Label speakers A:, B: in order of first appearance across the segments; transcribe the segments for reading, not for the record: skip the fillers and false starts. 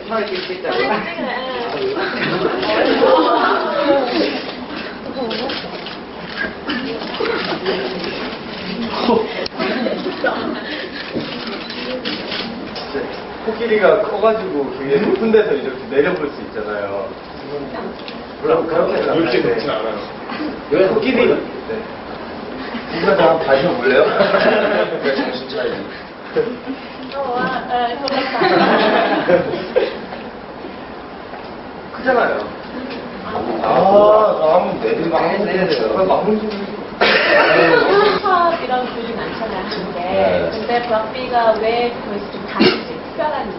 A: 편하게 낄 수 있다고요?
B: 코끼리가 커가지고 굉장히 높은 데서 이렇게 내려볼 수 있잖아요. 물론 그렇게
C: 그렇게 높진 않아요.
A: 왜 코끼리?
B: 네. 이거 다 한번 봐줘볼래요? 네, 정신 차리지. 크잖아요. 나 한번 내리면 마무리 좀.
D: 힙합이랑 교류 많잖아요, 한국에. 근데 브락비가 왜 거기서 좀 다르지? 특별한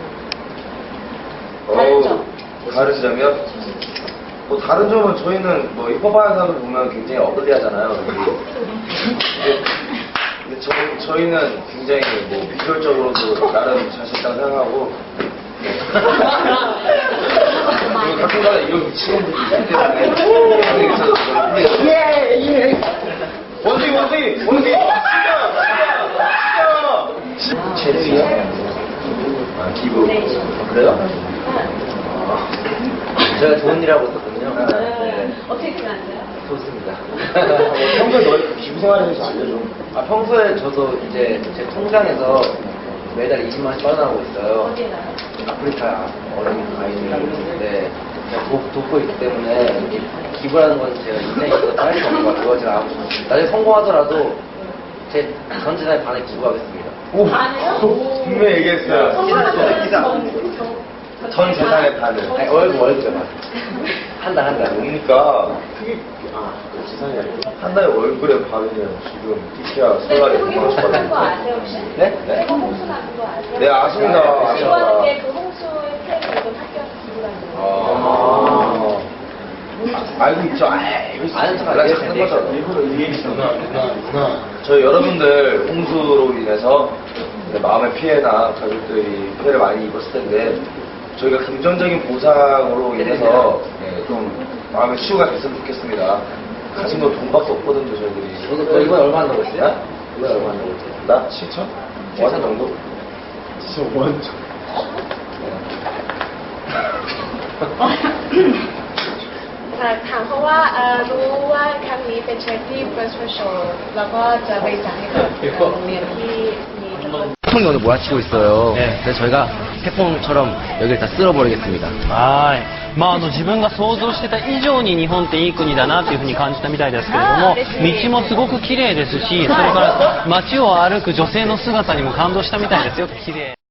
D: 다른 점.
B: 다른 점이요? 뭐 다른 점은 저희는 뭐 힙합하는 사람을 보면 굉장히 어그리하잖아요. 근데 저희는 굉장히 뭐 비주얼적으로도 나름 자신 있다고 생각하고 그리고 가끔가다 이런 미친놈들이 있기 때문에 예! 원숭이! 진짜! 제리야? 아, 기부. 그래요?
A: 제가 좋은 일 하고 있었거든요. 네.
D: 어떻게 생각하세요?
A: 좋습니다.
B: 평소에 너희 기부 생활에 대해서 알려줘.
A: 평소에 저도 이제 제 통장에서 매달 20만 원씩 빠져나가고 있어요.
D: 어디에 나요?
A: 아프리카 어린 아이들이 있는데 돕고 있기 때문에 기부라는 건 제가 인생에 있어서 할 수 없는 것 같아요. 제가 나중에 성공하더라도 제 전 재산의 반을 기부하겠습니다.
D: 반이요?
B: 분명히 얘기했어요. 전 재산의 반을.
A: 아니, 월급에 반. 한 달.
B: 그러니까 그게 재산이 아니고 한 달에 월급의 반이면 지금 티키야 설날에 100만 원씩
D: 홍수
B: 받는
D: 거
B: 거.
D: 아세요, 혹시?
B: 네?
D: 새거 홍수 나는 거 아세요?
B: 네, 아십니다.
D: 기부하는 게 그 홍수의 피해를 이건 학교에서 기부하는 거예요.
B: 알고 있죠? 알고 있어요.
A: 아는 척
B: 연락
A: 알고
B: 찾는
A: 있어요.
B: 거죠.
C: 일부러 누나.
B: 저희 여러분들 홍수로 인해서 마음의 피해나 가족들이 피해를 많이 입었을 텐데 저희가 긍정적인 보상으로 인해서 좀 마음의 치유가 됐으면 좋겠습니다. 가진 건 돈밖에 없거든요, 저희들이.
A: 저도 이번에 얼마 한다고 했어요? 이번에 얼마 한다고 했어요?
B: 나 7천? 5천 정도?
C: 진짜 완전.
D: ถามเพราะว่ารู้ว่าครั้งนี้เป็น charity virtual show แล้วก็จะบริจาคให้กับโรงเรียนที่มีจำนวน
A: 태풍이 오늘 몰아치고 있어요. 그래서 저희가 태풍처럼 여기를 다 쓸어버리겠습니다.
E: はい。自分が想像してた以上に日本っていい国だなというふうに感じたみたいですけれども、道もすごく綺麗ですし、それから街を歩く女性の姿にも感動したみたいですよ。綺麗。